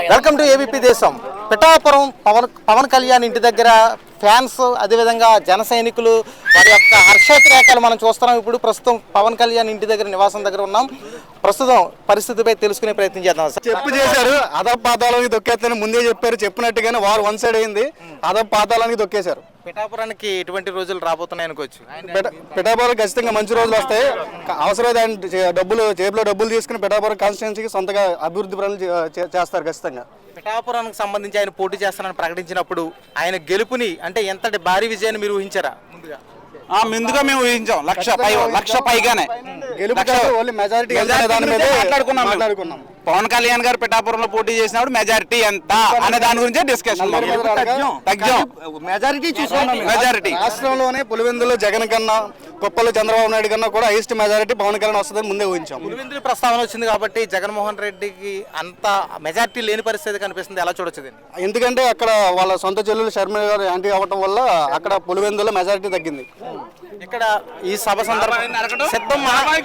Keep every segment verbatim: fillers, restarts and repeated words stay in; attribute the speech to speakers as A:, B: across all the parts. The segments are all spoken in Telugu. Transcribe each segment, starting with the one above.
A: వెల్కమ్ టు ఏబీపీ దేశం. పిఠాపురం పవన్ పవన్ కళ్యాణ్ ఇంటి దగ్గర ఫ్యాన్స్, అదేవిధంగా జన సైనికులు వారి యొక్క హర్షోద్రేకాలు మనం చూస్తున్నాం. ఇప్పుడు ప్రస్తుతం పవన్ కళ్యాణ్ ఇంటి దగ్గర నివాసం దగ్గర ఉన్నాం. ప్రస్తుతం పరిస్థితిపై తెలుసుకునే ప్రయత్నం చేద్దాం.
B: చెప్పు చేశారు, అదప్ పాతాళానికి దొక్కేస్తారని ముందే చెప్పారు. చెప్పినట్టుగానే వారు వన్ సైడ్ అయింది, అదప్ పాతాళానికి దొక్కేశారు.
A: పిఠాపురానికి ఎటువంటి రోజులు రాబోతున్నాయి అనుకోవచ్చు?
B: పిఠాపురం ఖచ్చితంగా మంచి రోజులు వస్తాయి. అవసరమైన డబ్బులు జేబులో డబ్బులు తీసుకుని పిఠాపురం కాన్స్టిట్యున్సీకి సొంతగా అభివృద్ధి పనులు చేస్తారు ఖచ్చితంగా.
A: పిఠాపురానికి సంబంధించి ఆయన పోటీ చేస్తానని ప్రకటించినప్పుడు ఆయన గెలుపుని అంటే ఎంతటి భారీ విజయాన్ని మీరు ఊహించారా? ముందుగా
C: ముందుగా మేము ఊహించాం, లక్ష పై లక్ష పైగానే
B: మెజారిటీ మాట్లాడుకున్నాం.
C: పవన్ కళ్యాణ్ గారు పిఠాపురంలో పోటీ చేసినప్పుడు మెజారిటీ ఎంత అనే దాని గురించే డిస్కషన్.
B: మెజారిటీ మెజారిటీ రాష్ట్రంలోనే పులివెందులో జగన్ కన్నా, కుప్పలో చంద్రబాబు నాయుడు కన్నా కూడా హైయెస్ట్ మెజారిటీ పవన్ కళ్యాణ్ వస్తుందని ముందే ఊహించాం.
A: పులివెందుల ప్రస్తావన వచ్చింది కాబట్టి జగన్మోహన్ రెడ్డికి అంత మెజారిటీ లేని పరిస్థితి కనిపిస్తుంది. ఎలా చూడొచ్చు?
B: ఎందుకంటే అక్కడ వాళ్ళ సొంత చెల్లెలు శర్మ గారు యాంటీ అవ్వటం వల్ల అక్కడ పులివెందులో మెజారిటీ తగ్గింది.
A: ఇక్కడ ఈ సభ సందర్భంగా సిద్ధం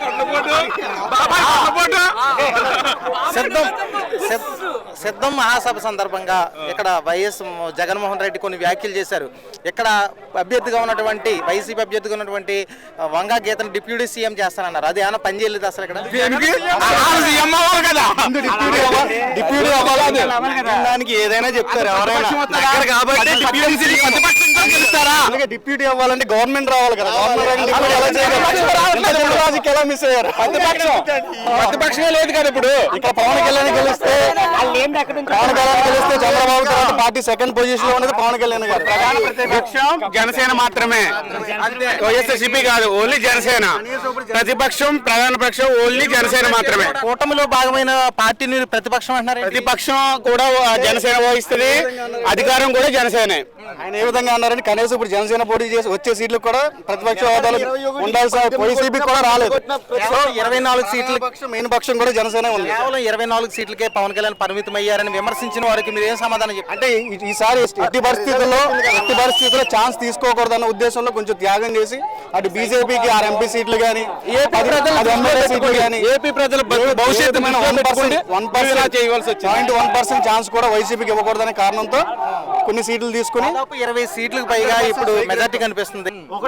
A: సిద్ధం సిద్ధం మహాసభ సందర్భంగా ఇక్కడ వైఎస్ జగన్మోహన్ రెడ్డి కొన్ని వ్యాఖ్యలు చేశారు. ఇక్కడ అభ్యర్థిగా ఉన్నటువంటి వైసీపీ అభ్యర్థిగా ఉన్నటువంటి వంగా గీతను డిప్యూటీ సీఎం చేస్తానన్నారు. అది ఏమైనా పని చేయలేదు అసలు? ఇక్కడ
B: దానికి ఏదైనా చెప్తారు ఎవరైనా డిప్యూటీ అవ్వాలంటే గవర్నమెంట్ రావాలి కదా. ఎలా మిస్ అయ్యారు? ప్రతిపక్షమే లేదు కదా ఇప్పుడు. ఇక్కడ పవన్ కళ్యాణ్ గెలిస్తే పవన్ కళ్యాణ్ గెలిస్తే చంద్రబాబు తర్వాత పార్టీ సెకండ్ పొజిషన్ లో ఉన్నది పవన్ కళ్యాణ్ గారు.
C: ప్రధాన ప్రతిపక్షం జనసేన మాత్రమే, వైఎస్ఆర్సీపీ కాదు, ఓన్లీ జనసేన. ప్రతిపక్షం ప్రధాన పక్షం ఓన్లీ జనసేన మాత్రమే.
A: కూటమిలో భాగమైన పార్టీని ప్రతిపక్షం అంటున్నారు.
C: ప్రతిపక్షం కూడా జనసేన వహిస్తుంది, అధికారం కూడా జనసేనే.
B: ఆయన ఏ విధంగా అన్నారని కనీసం ఇప్పుడు జనసేన పోటీ చేసి వచ్చే సీట్లు కూడా ప్రతిపక్ష హోదాలు ఉండాల్సిన వైసీపీ కూడా రాలేదు.
A: ఇరవై నాలుగు సీట్లు
B: మెయిన్ పక్షం కూడా జనసేన ఉంది.
A: కేవలం ఇరవై నాలుగు సీట్లకే పవన్ కళ్యాణ్ పరిమితం అయ్యారని విమర్శించిన వారికి మీరు ఏం సమాధానం చెప్పారు?
B: అంటే ఈసారి ఎట్టి పరిస్థితుల్లో ఎట్టి పరిస్థితుల్లో ఛాన్స్ తీసుకోకూడదన్న ఉద్దేశంలో కొంచెం త్యాగం చేసి అటు బీజేపీకి ఆరు ఎంపీ సీట్లు కానీ
C: ఏపీ ప్రజల భవిష్యత్తు
B: one percent point one percent chance కూడా వైసీపీకి ఇవ్వకూడదనే కారణంతో కొన్ని సీట్లు తీసుకుని
A: ఇరవై సీట్లకు పైగా ఇప్పుడు మెజార్టీ కనిపిస్తుంది.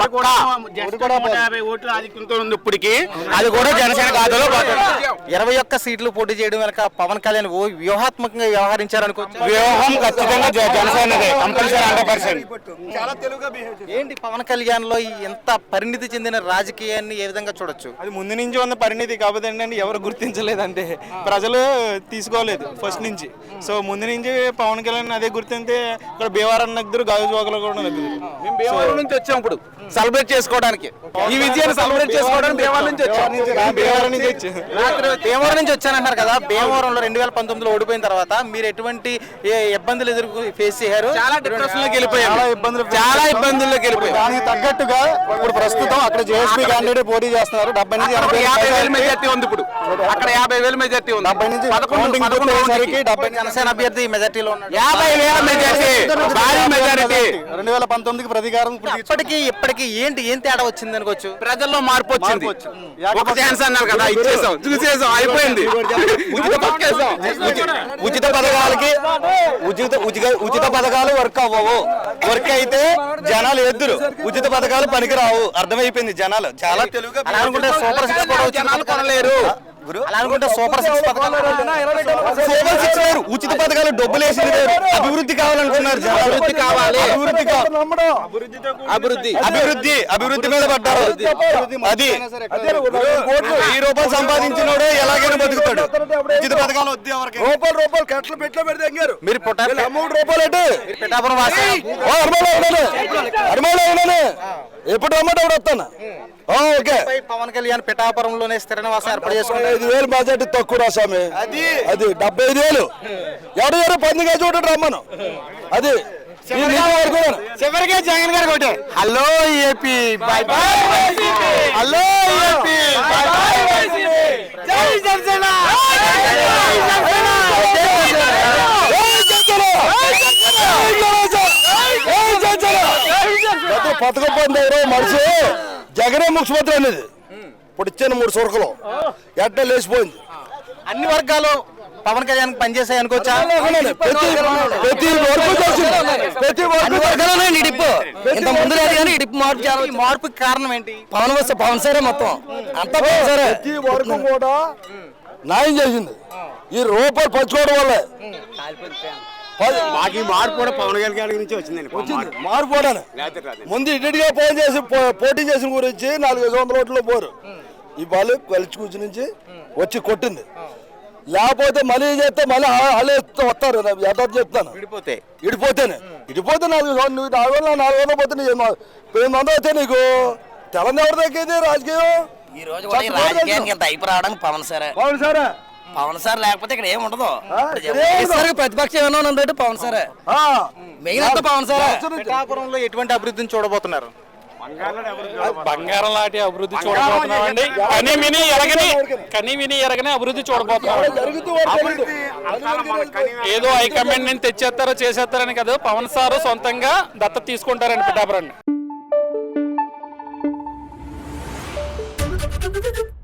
C: ఇప్పటికి అది కూడా జనసేన ఖాతాలో
A: ఇరవై ఒక్క సీట్లు పోటీ చేయడం వెనక పవన్ కళ్యాణ్ ఓ వ్యూహాత్మకంగా వ్యవహరించారనుకోవచ్చు.
C: వ్యూహం ఖచ్చితంగా జనసేనదే, కంపల్సరీ హండ్రెడ్ పర్సెంట్.
A: ఏంటి పవన్ కళ్యాణ్ లో ఎంత పరిణితి చెందిన రాజకీయాన్ని ఏ విధంగా చూడొచ్చు?
D: అది ముందు నుంచి ఉన్న పరిణితి కాకపోతే ఏంటంటే ఎవరు గుర్తించలేదంటే ప్రజలు తీసుకోలేదు ఫస్ట్ నుంచి. సో ముందు నుంచి పవన్ కళ్యాణ్ అదే గుర్తింతే ఇక్కడ భీమవరం నగ్గురు గాజువాకలో కూడా నగ్గురు.
C: మేము భీమవరం నుంచి వచ్చాం ఇప్పుడు సెలబ్రేట్ చేసుకోవడానికి, ఈ విజయాన్ని సెలబ్రేట్ చేసుకోవడానికి భీమవరం నుంచి వచ్చాం.
D: భీమవరం నుంచి వచ్చాం
A: భీమవరం నుంచి వచ్చానంటారు కదా. భీమవరంలో రెండు వేల పంతొమ్మిదిలో ఓడిపోయిన తర్వాత మీరు ఎటువంటి ఇబ్బందులు ఎదుర్కొ ఫేస్ చేశారు?
C: చాలా డిప్రెషన్లోకి వెళ్ళిపోయాం,
B: చాలా ఇబ్బందులు
C: చాలా ఇబ్బందుల్లోకి వెళ్ళిపోయాం.
B: దానికి తగ్గట్టుగా ఇప్పుడు ప్రస్తుతం అక్కడ జేఎస్పీ క్యాండిడేట్ పోటీ చేస్తున్నారు. డెబ్బై నుంచి
C: యాభై వేల మెజార్టీ ఉంది ఇప్పుడు. అక్కడ యాభై వేల మెజార్టీ ఉంది.
B: డెబ్బై నుంచి
A: డెబ్బై జనసేన అభ్యర్థి మెజార్టీలో
C: యాభై వేల మెజార్టీ, భారీ మెజారిటీ.
B: రెండు వేల పంతొమ్మిదికి ప్రతీకారం.
A: ఇప్పటికీ ఇప్పటికీ ఏంటి ఏం తేడా వచ్చింది అనుకోవచ్చు?
C: ప్రజల్లో మార్పు వచ్చింది. ఒక ఛాన్స్ అన్నారు కదా, ఇచ్చేసాం, చూసేసాం, అయిపోయింది.
B: ఉచిత పథకాలకి ఉచిత ఉచిత పథకాలు వర్క్ అవ్వవు. వర్క్ అయితే జనాలు ఎద్దురు, ఉచిత పథకాలు పనికిరావు. అర్థమైపోయింది జనాలు. చాలా తెలుగుగా
A: అనుకుంటే సూపర్ సిక్స్ కూడా
C: జనాలు కొనలేరు.
A: అనుకుంటే సూపర్ సిక్స్ పథకాలు
B: సూపర్ సిక్స్ వేరు, ఉచిత పథకాలు డబ్బులు వేసింది వేరు. అభివృద్ధి కావాలనుకున్నారు,
C: అభివృద్ధి కావాలి,
B: అభివృద్ధి
C: అభివృద్ధి
B: అభివృద్ధి అభివృద్ధి మీద పడ్డారు. అది వెయ్యి రూపాయలు సంపాదించినోడే ఎలాగైనా బతుకుతాడు. ఉచిత పథకాలు వద్దు ఎవరికి. రూపాయలు రూపాయలు కట్టలు పెట్లో పెడితే
A: మీరు
B: మూడు రూపాయలు అంటే
A: పిఠాపురం
B: అరిమాలో ఎప్పుడు రమ్మంటే అప్పుడు వస్తాను. ఓకే,
A: పవన్ కళ్యాణ్ పిఠాపురంలోనే స్థిర నివాసం ఏర్పాటు చేసుకుంటే
B: ఐదు వేలు బడ్జెట్ తక్కువ రాసామి. అది అది డెబ్బై ఐదు వేలు ఎవరు ఎవరు పందిగా చూడండి రమ్మను. అది
C: చివరికే జగన్ గారు కొట్టే hello AP bye bye, hello AP bye bye, జై జనసేన,
B: పథకం పొందారు మనిషి జగనే ముఖ్యమంత్రి అనేది ఇప్పుడు ఇచ్చాను మూడు సొరకలు ఎట్లా లేచిపోయింది.
A: అన్ని వర్గాలు పవన్ కళ్యాణ్ పనిచేసాయి అనుకోవచ్చా?
B: ప్రతి ప్రతి వర్గం చేసింది. ప్రతి వర్గం
E: వర్గాలనే ఇడిపు ఇంత ముందు లేదు కానీ ఇడిపు మార్పు చాలా
A: ఈ మార్పుకి కారణం ఏంటి?
E: పవన్ వస్తే పవన్ సరే మొత్తం అంతా పవన్ సరే.
B: ప్రతి వర్గం కూడా న్యాయం చేసింది. ఈ రూపాయలు పంచుకోవడం వల్లే
C: మాకు ఈ మార్పు కూడా పవన్ కళ్యాణ్ నుంచి వచ్చిందండి.
B: వచ్చింది మార్పు కూడా. ముందు ఇటుగా ఫోన్ చేసి పో- పోటీ చేసిన గురించి నాలుగు ఐదు వందల ఓట్లు పోరు. ఈ బాల్ కలిసి కూర్చుని నుంచి వచ్చి కొట్టింది. లేకపోతే మళ్ళీ చేస్తే మళ్ళీ అలా వస్తారు. యథార్థ చెప్తాను.
A: విడిపోతే
B: ఇడిపోతేనే ఇడిపోతే నాలుగు వందలు నువ్వు నాలుగు వందలు నాలుగు వందలు పోతే నీకు ఎనిమిది వందలు అయితే నీకు తెలంగాణ ఎవరు తగ్గేది రాజకీయం?
E: ఈ రోజు కూడా ఈ రాజకీయానికి ఇంత అయిపు రావడానికి పవన్ సరే.
B: పవన్ సారా
E: పవన్ సార్ లేకపోతే ఇక్కడ ఏమి ఉండదు.
B: ఇక్కడ ఏం ఉండదు.
E: ప్రతిపక్షం ఏమన్నా ఉందంటే పవన్ సరే, మెయిన్ అంతా పవన్ సరే.
A: పిఠాపురంలో ఎటువంటి అభివృద్ధిని చూడబోతున్నారు?
F: బంగారం లాంటి అభివృద్ధి చూడబోతున్నామండి. కని విని ఎరగని కని విని ఎరగని అభివృద్ధి చూడబోతున్నాం.
B: జరుగుతూ
F: ఏదో హైకమాండ్ నుంచి తెచ్చేస్తారో చేసేస్తారని కాదు, పవన్ సారు సొంతంగా దత్తత తీసుకుంటారండి పిఠాపురాన్ని.